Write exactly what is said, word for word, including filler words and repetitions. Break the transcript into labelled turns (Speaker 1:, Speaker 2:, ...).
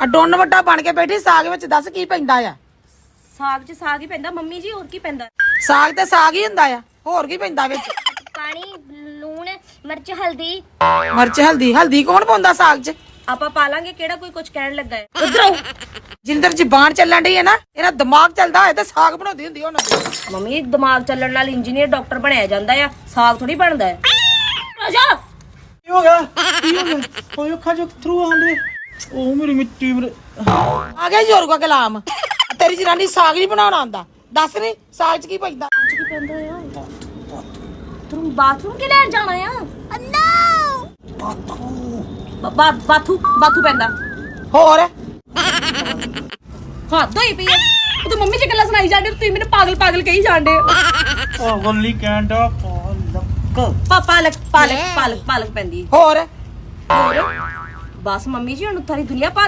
Speaker 1: ਆ ਡੋਨ ਵੱਡਾ ਬਣ ਕੇ ਬੈਠੀ ਸਾਗ ਵਿੱਚ ਦੱਸ ਕੀ ਪੈਂਦਾ ਆ
Speaker 2: ਸਾਗ 'ਚ ਸਾਗ ਹੀ ਪੈਂਦਾ ਮੰਮੀ ਜੀ, ਹੋਰ ਕੀ ਪੈਂਦਾ?
Speaker 1: ਸਾਗ ਤੇ ਸਾਗ ਹੀ ਹੁੰਦਾ ਆ, ਹੋਰ ਕੀ ਪੈਂਦਾ ਵਿੱਚ?
Speaker 3: ਪਾਣੀ, ਲੂਣ, ਮਿਰਚ, ਹਲਦੀ।
Speaker 1: ਮਿਰਚ ਹਲਦੀ? ਹਲਦੀ ਕੌਣ ਪਾਉਂਦਾ ਸਾਗ 'ਚ?
Speaker 2: ਆਪਾਂ ਪਾ ਲਾਂਗੇ, ਕਿਹੜਾ ਕੋਈ ਕੁਝ ਕਹਿਣ ਲੱਗਾ ਹੈ? ਉਧਰੋਂ
Speaker 1: ਜਿੰਦਰ ਜ਼ਬਾਨ ਚੱਲਣ ਡਈ ਹੈ ਨਾ, ਇਹਦਾ ਦਿਮਾਗ ਚੱਲਦਾ ਹੋਏ ਤੇ ਸਾਗ ਬਣਾਉਂਦੀ ਹੁੰਦੀ ਉਹਨਾਂ ਦੀ।
Speaker 2: ਮੰਮੀ ਦਿਮਾਗ ਚੱਲਣ ਨਾਲ ਇੰਜੀਨੀਅਰ ਡਾਕਟਰ ਬਣਿਆ ਜਾਂਦਾ ਆ, ਸਾਗ ਥੋੜੀ ਬਣਦਾ ਹੈ। ਰਾਜਾ
Speaker 4: ਕੀ ਹੋ ਗਿਆ? ਕੀ ਹੋ ਗਿਆ? ਓਏ ਅੱਖਾਂ ਚੋਂ ਥਰੂ ਆਉਂਦੇ। ਉਹ ਮੇਰੀ ਮਿੱਟੀ ਮੇਰੇ।
Speaker 1: ਆ ਗਿਆ ਜ਼ੋਰ ਕਾ ਕਲਾਮ। ਤੇਰੀ ਜਨਾਨੀ ਸਾਗ ਨਹੀਂ ਬਣਾਉਣਾ ਆਉਂਦਾ, ਦੱਸ ਨੀ ਸਾਗ 'ਚ ਕੀ ਪੈਂਦਾ?
Speaker 2: ਕੀ ਪੈਂਦਾ ਆ? ਤੂੰ ਬਾਥਰੂਮ ਕਿ ਲੈਣ ਜਾਣਾ ਆ? ਬਾ ਬਾਥੂ ਬਾਥੂ ਪੈਂਦਾ।
Speaker 1: ਹੋਰ
Speaker 2: ਹਾਂ ਦੋਈ ਪਈ ਆ। ਉਹ ਤਾਂ ਮੰਮੀ ਜੀ ਗੱਲਾਂ ਸੁਣਾਈ ਜਾਂਦੇ, ਤੁਸੀਂ ਮੈਨੂੰ ਪਾਗਲ ਪਾਗਲ ਕਹੀ ਜਾਂਦੇ।
Speaker 4: ਉਹ ਗੱਲੀ ਕਹਿੰਦਾ ਪਾਲਕ।
Speaker 2: ਪਾ ਪਾਲਕ ਪਾਲਕ ਪਾਲਕ ਪਾਲਕ ਪੈਂਦੀ।
Speaker 1: ਹੋਰ
Speaker 2: ਬਸ ਮੰਮੀ ਜੀ ਹੁਣ ਸਾਰੀ ਦੁਨੀਆ ਪਾ